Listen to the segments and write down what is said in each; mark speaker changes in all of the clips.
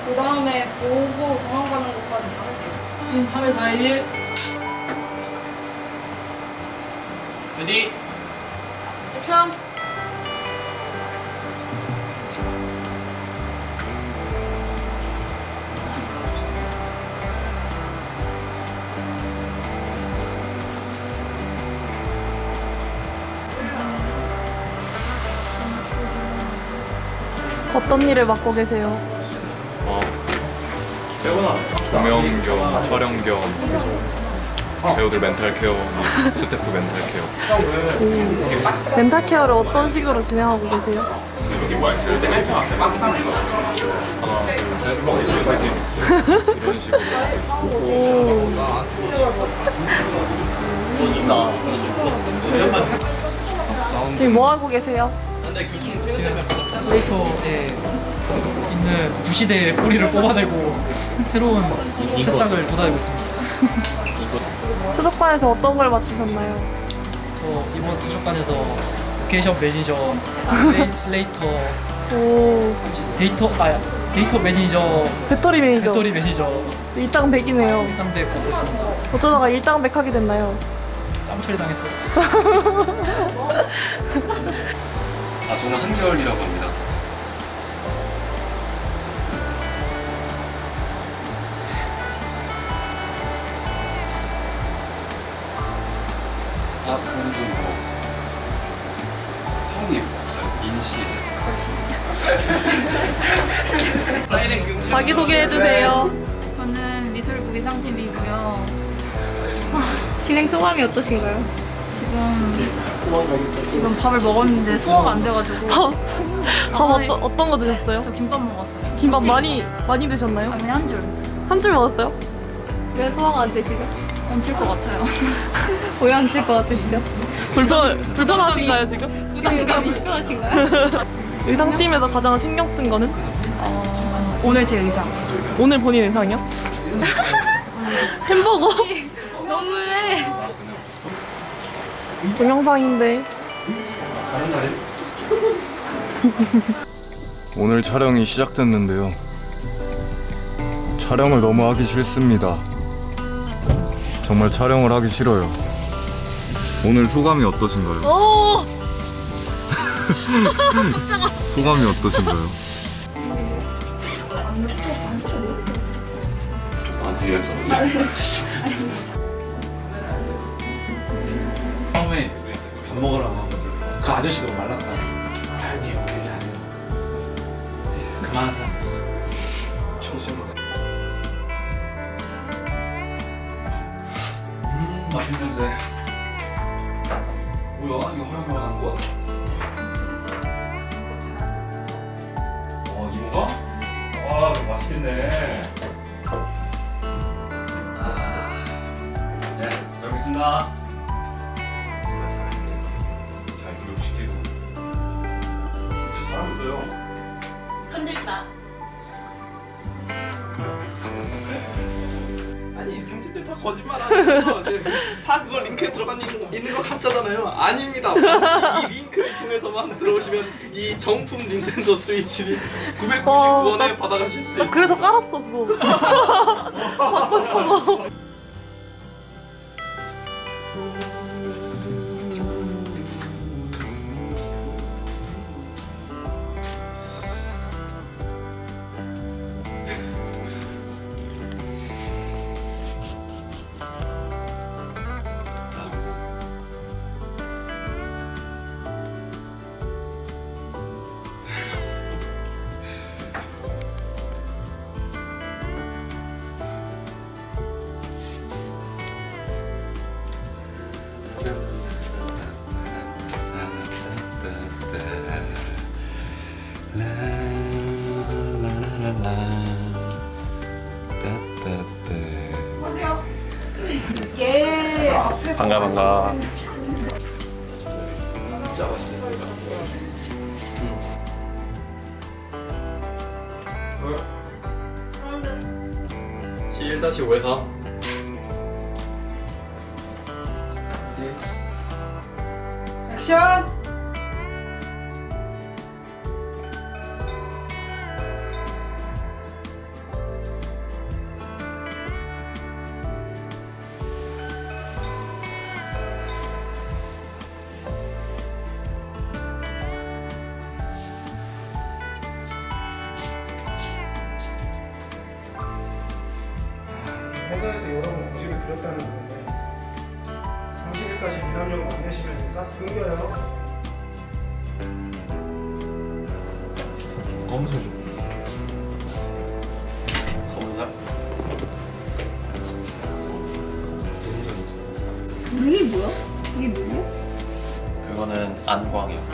Speaker 1: 그 다음에 보고 도망가는 것까지 잡을게요.
Speaker 2: 신 3회 4일 레디 액션.
Speaker 3: 어떤 일을 맡고 계세요?
Speaker 4: 조명 겸 촬영 겸 배우들 멘탈 케어, 스태프 멘탈 케어.
Speaker 3: 멘탈 케어를 어떤 식으로 진행하고 계세요?
Speaker 4: 하나, 둘, 셋, 파이팅. 이런 식으로 하고 있습니다.
Speaker 3: 지금 뭐 하고 계세요?
Speaker 2: 슬레이터에 있는 구시대의 뿌리를 뽑아내고 새로운 새싹을 돋아내고 있습니다.
Speaker 3: 수족관에서 어떤 걸 맡으셨나요?
Speaker 2: 저 이번 수족관에서 로케이션 매니저, 슬레이터,
Speaker 3: 오,
Speaker 2: 데이터 매니저,
Speaker 3: 배터리 매니저.
Speaker 2: 배터리 매니저,
Speaker 3: 일당백이네요.
Speaker 2: 일당백 맡고 있습니다.
Speaker 3: 어쩌다가 일당백 하게 됐나요?
Speaker 2: 짬 처리 당했어요.
Speaker 4: 저는 한결이라고 합니다. 그분도 뭐 성이 없어요. 민씨.
Speaker 3: 자기소개해주세요.
Speaker 5: 저는 미술부 위상팀이고요. 진행 소감이 어떠신가요? 지금 밥을 먹었는데 소화가 안 돼가지고.
Speaker 3: 밥 어떤 거 드셨어요?
Speaker 5: 저 김밥 먹었어요.
Speaker 3: 김밥 많이 드셨나요?
Speaker 5: 아니 한 줄.
Speaker 3: 한 줄 먹었어요?
Speaker 5: 왜 소화가 안 되시죠? 얹힐 것 같아요. 왜 얹힐 것 같으시죠?
Speaker 3: 불편하신가요 지금?
Speaker 5: 부담감이 심하신가요?
Speaker 3: 의상팀에서 가장 신경 쓴 거는?
Speaker 5: 오늘 제 의상.
Speaker 3: 오늘 본인 의상이요? 햄버거?
Speaker 5: 너무해.
Speaker 3: 동영상인데.
Speaker 4: 오늘 촬영이 시작됐는데요. 촬영을 너무 하기 싫습니다. 정말 촬영을 하기 싫어요. 오늘 소감이 어떠신가요?
Speaker 3: 오!
Speaker 4: 소감이 어떠신가요? 나한테 얘기했잖아.
Speaker 6: 처음에 밥 먹으라고 하고 그 아저씨 너무 말랐다. 아니에요, 괜찮아요. 그만한 사람 없어요. 정신으로. 맛있는 냄새. 뭐야? 이거 허용한 거야? 이거가? 맛있겠네. 네, 잘 먹겠습니다. 잘 교육시키고 잘하고 있어요.
Speaker 5: 건들지 마.
Speaker 6: 아니 당신들 다 거짓말하면서 다 그거 링크에 들어가 있는 거 가짜잖아요. 아닙니다. 이 링크를 통해서만 들어오시면 이 정품 닌텐도 스위치를 999원에 받아가실 수 있어요.
Speaker 3: 그래서 깔았어 그거. 받고 싶어서.
Speaker 4: 반가.
Speaker 6: 진짜 맛있겠다.
Speaker 4: 7-5에서
Speaker 1: 액션!
Speaker 7: 회사에서 여러 번 고지를 드렸다는 건데 30일까지 미납력을 안 내시면 가스 끊겨요.
Speaker 6: 검사 좀. 검사?
Speaker 5: 눈이 뭐야? 이게 눈이야?
Speaker 6: 그거는 안광이요.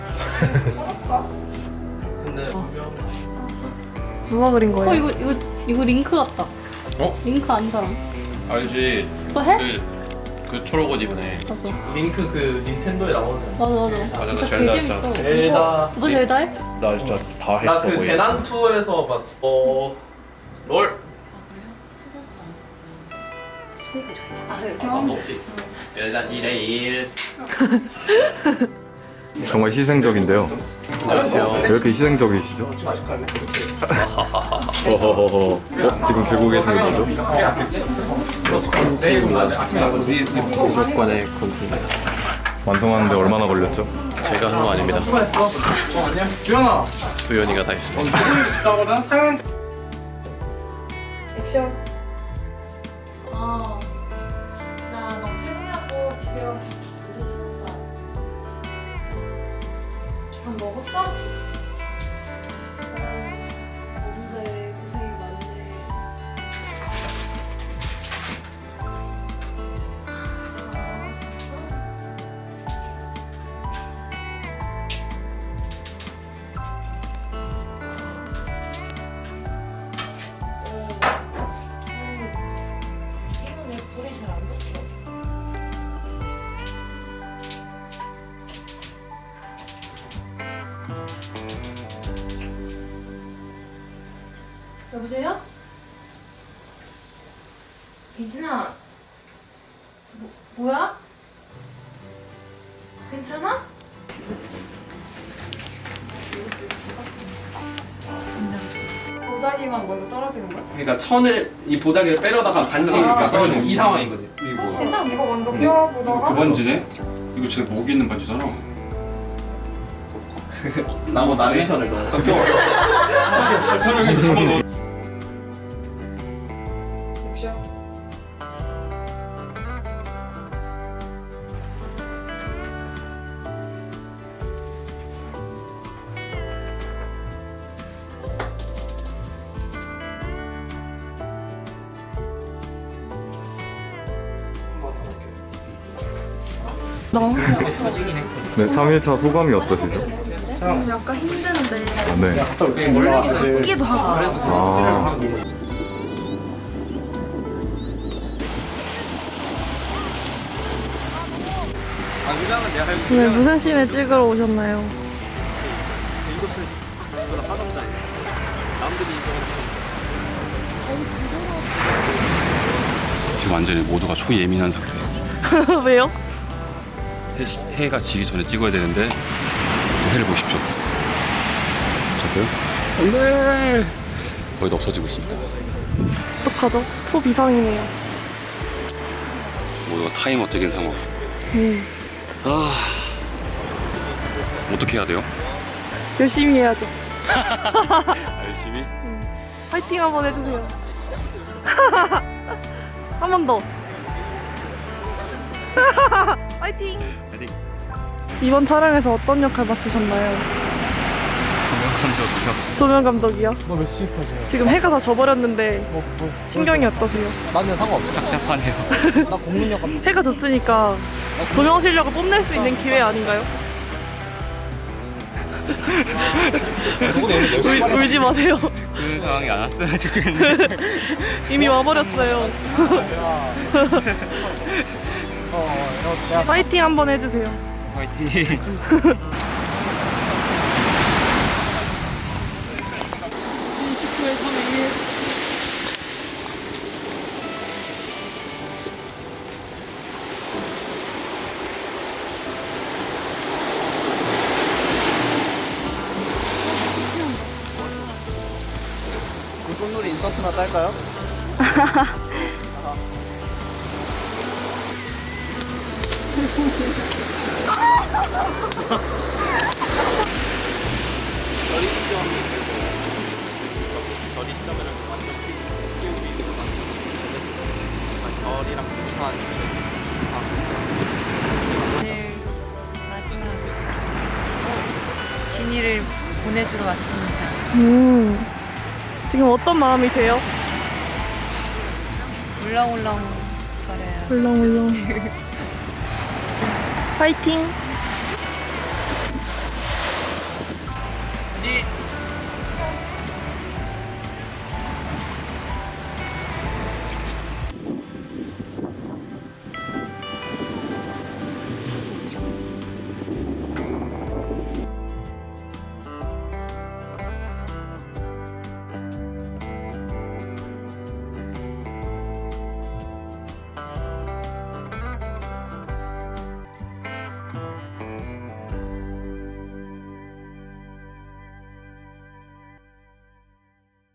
Speaker 6: 근데 분명
Speaker 3: 누가 그린 거예요?
Speaker 5: 이거 링크 같다.
Speaker 8: 어?
Speaker 5: 링크 아는 사람.
Speaker 8: 알지.
Speaker 5: 그거 해?
Speaker 8: 그 초록 옷 입은 애.
Speaker 5: 맞아.
Speaker 6: 링크 그 닌텐도에 나오는.
Speaker 5: 맞아.
Speaker 8: 나
Speaker 5: 진짜
Speaker 8: 젤다
Speaker 5: 개
Speaker 8: 했다.
Speaker 5: 재밌어.
Speaker 6: 젤다.
Speaker 5: 너 젤다 해?
Speaker 8: 나 진짜 다 했어.
Speaker 6: 나 그
Speaker 8: 거의.
Speaker 6: 대난 투어에서 봤어. 롤. 없지. 1-1.
Speaker 4: 정말 희생적인데요.
Speaker 6: 안녕하세요.
Speaker 4: 왜 이렇게 희생적이시죠? 허허허허. 지금 들고 계시는 거죠?
Speaker 8: 무조건의 컨트롤.
Speaker 4: 완성하는데 얼마나 걸렸죠?
Speaker 8: 제가 한 거 아닙니다.
Speaker 7: 주현아.
Speaker 8: 두현이가 다 했습니다.
Speaker 7: 나보다 상한
Speaker 1: 액션.
Speaker 5: 나막 퇴근하고 집에 와서 늦었다. 밥 먹었어? 뭔데 고생이 많네. 여보세요? 이진아, 뭐야? 괜찮아?
Speaker 1: 보자기만 먼저 떨어지는 거야?
Speaker 6: 그러니까 천을 이 보자기를 빼려다가 반지가 이렇게 떨어지는 이 상황인 거지.
Speaker 1: 괜찮아. 이거 먼저 껴보다가.
Speaker 9: 그 반지네? 이거 제 목에 있는 반지잖아.
Speaker 6: 나고 나레이션을 넣어.
Speaker 9: 설명해도 한번 넣어.
Speaker 1: 액션.
Speaker 4: 네, 3일차 소감이 어떠시죠?
Speaker 10: 약간 힘드는데
Speaker 4: 아, 네.
Speaker 10: 놀래기도 웃기도 하고
Speaker 4: 아,
Speaker 3: 오늘 무슨 씬을 찍으러 오셨나요?
Speaker 9: 지금 완전히 모두가 초예민한 상태.
Speaker 3: 왜요?
Speaker 9: 해가 지기 전에 찍어야 되는데 지금 해를 보십시오. 저도요? 안돼. 거의 다 없어지고 있습니다.
Speaker 3: 어떡하죠? 초비상이네요.
Speaker 9: 모두가 타이머 되긴 상황. 어떻게 해야 돼요?
Speaker 3: 열심히 해야죠.
Speaker 9: 열심히.
Speaker 3: 파이팅 한번 해주세요. 한 번 더. 파이팅!
Speaker 9: 파이팅.
Speaker 3: 이번 촬영에서 어떤 역할 맡으셨나요? 조명 감독이요?
Speaker 2: 뭐몇 시까지요?
Speaker 3: 지금 해가 다 져버렸는데 신경이 어떠세요?
Speaker 2: 나는 상관없어.
Speaker 9: 답답하네요.
Speaker 2: 나 공문역 감독.
Speaker 3: 해가 졌으니까 조명 실력을 뽐낼 수 있는 기회 아닌가요? 울지 마세요.
Speaker 9: 그런 상황이 안 왔으면 좋겠는데.
Speaker 3: 이미 와버렸어요. 파이팅 한번 해주세요.
Speaker 9: 파이팅.
Speaker 2: 신식구의 3일. 꽃놀이 인서트나 딸까요?
Speaker 8: 결이 시점에는 완전 키우고 있는 것 같아요.
Speaker 2: 별이랑 부산
Speaker 5: 오늘 마지막 진이를 보내주러 왔습니다.
Speaker 3: 지금 어떤 마음이세요?
Speaker 5: 울렁울렁 거려요.
Speaker 3: 울렁울렁. 파이팅!